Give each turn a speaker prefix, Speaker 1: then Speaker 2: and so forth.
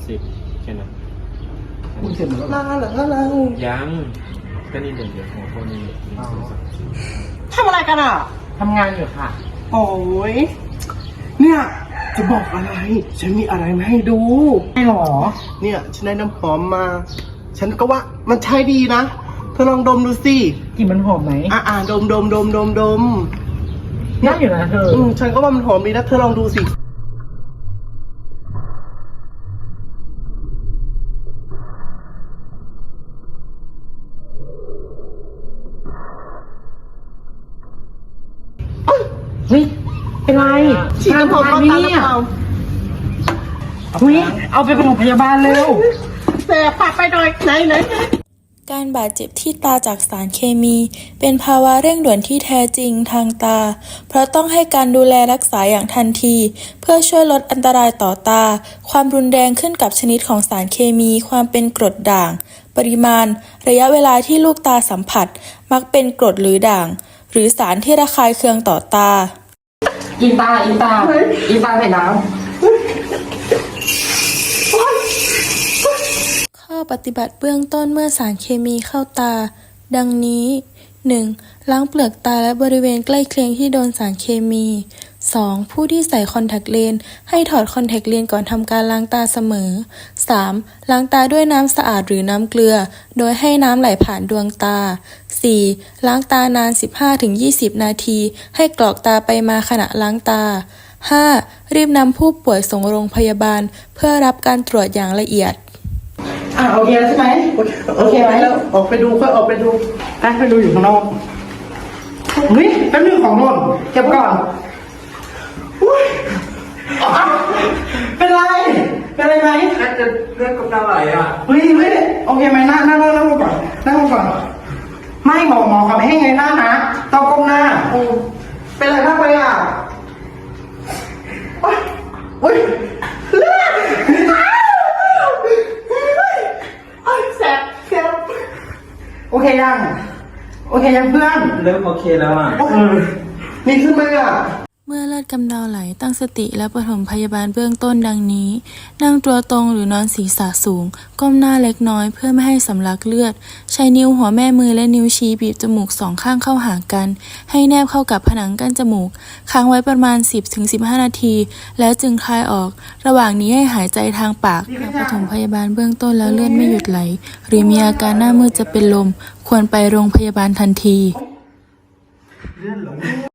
Speaker 1: 10แค่นั้น
Speaker 2: คุณเสร็จหมดแล้ว
Speaker 3: ลาเหรอเรา
Speaker 1: ยังก็นี่เดี๋ยวหัวข้อนี้1 2 3
Speaker 3: ทำอะไรกันอ่ะ
Speaker 2: ทำงานอยู่ค่ะ
Speaker 3: โอ้ยเนี่ยจะบอกอะไร ฉันมีอะไรมาให้ดู
Speaker 2: ไม่หรอ
Speaker 3: เนี่ยฉันได้น้ำหอมมา ฉันก็ว่ามันใช้ดีนะเธอลองดมดูสิ
Speaker 2: กลิ่นมันหอมไหม
Speaker 3: ดมดม
Speaker 2: น่าอยู่นะเธอ
Speaker 3: ฉันก็ว่ามันหอมดีนะเธอลองดูสิ
Speaker 2: เฮ้ย เป็นไร
Speaker 3: ฉีดน้ำหอมเข้าตาหรือเปล่า
Speaker 2: เฮ้ย เอาไปโรงพยาบาลเร็ว
Speaker 3: แสบปากไปหน่อยไหน
Speaker 4: การบาดเจ็บที่ตาจากสารเคมี เป็นภาวะเร่งด่วนที่แท้จริงทางตา เพราะต้องให้การดูแลรักษาอย่างทันที เพื่อช่วยลดอันตรายต่อตา ความรุนแรงขึ้นกับชนิดของสารเคมี ความเป็นกรดด่าง ปริมาณ ระยะเวลาที่ลูกตาสัมผัส มักเป็นกรดหรือด่าง หรือสารที่ระคายเคืองต่อตา
Speaker 2: อีตาใส่น้
Speaker 4: ข้อปฏิบัติเบื้องต้นเมื่อสารเคมีเข้าตา ดังนี้ 1. ล้างเปลือกตาและบริเวณใกล้เคียงที่โดนสารเคมี 2. ผู้ที่ใส่คอนแทคเลนส์ให้ถอดคอนแทคเลนส์ก่อนทำการล้างตาเสมอ 3. ล้างตาด้วยน้ำสะอาดหรือน้ำเกลือ โดยให้น้ำไหลผ่านดวงตา 4. ล้างตานาน 15-20 นาที ให้กรอกตาไปมาขณะล้างตา 5. รีบนำผู้ป่วยส่งโรงพยาบาล เพื่อรับการตรวจอย่างละเอียด
Speaker 2: ำโอเคแล้วใช่ไหม โอเคไหม
Speaker 3: แล้วออกไปดูค่อยออกไปดู
Speaker 2: ไปดูอยู่ข้างนอกเฮ้ยแป๊บนึงของหล่นเก็บก่อนอุ๊ยเป็นไร เป็นไรไหม
Speaker 1: จะเลือดกำเดาไหลอ่ะ
Speaker 2: เฮ้ยโอเคไหมนั่งลงก่อนไม่หมอเขาไม่ให้ไงหน้านะต้องก้มหน้า
Speaker 3: เป็นอะไรมากไปอ่ะโอ๊ยเลือดแสบ
Speaker 2: โอเคยังเพื่อน
Speaker 1: เริ่มโอเคแล้วอ่ะ
Speaker 3: นี่ขึ้นไหมอ่ะ
Speaker 4: เมื่อเลือดกำเดาไหลตั้งสติและปฐมพยาบาลเบื้องต้นดังนี้ นั่งตัวตรงหรือนอนศีรษะสูง ก้มหน้าเล็กน้อยเพื่อไม่ให้สำลักเลือด ใช้นิ้วหัวแม่มือและนิ้วชี้บีบจมูก2ข้างเข้าหากัน ให้แนบเข้ากับผนังกั้นจมูก ค้างไว้ประมาณ 10-15 นาที แล้วจึงคลายออก ระหว่างนี้ให้หายใจทางปากหากปฐมพยาบาลเบื้องต้นแล้วเลือดไม่หยุดไหล หรือมีอาการหน้ามืดจะเป็นลม ควรไปโรงพยาบาลทันที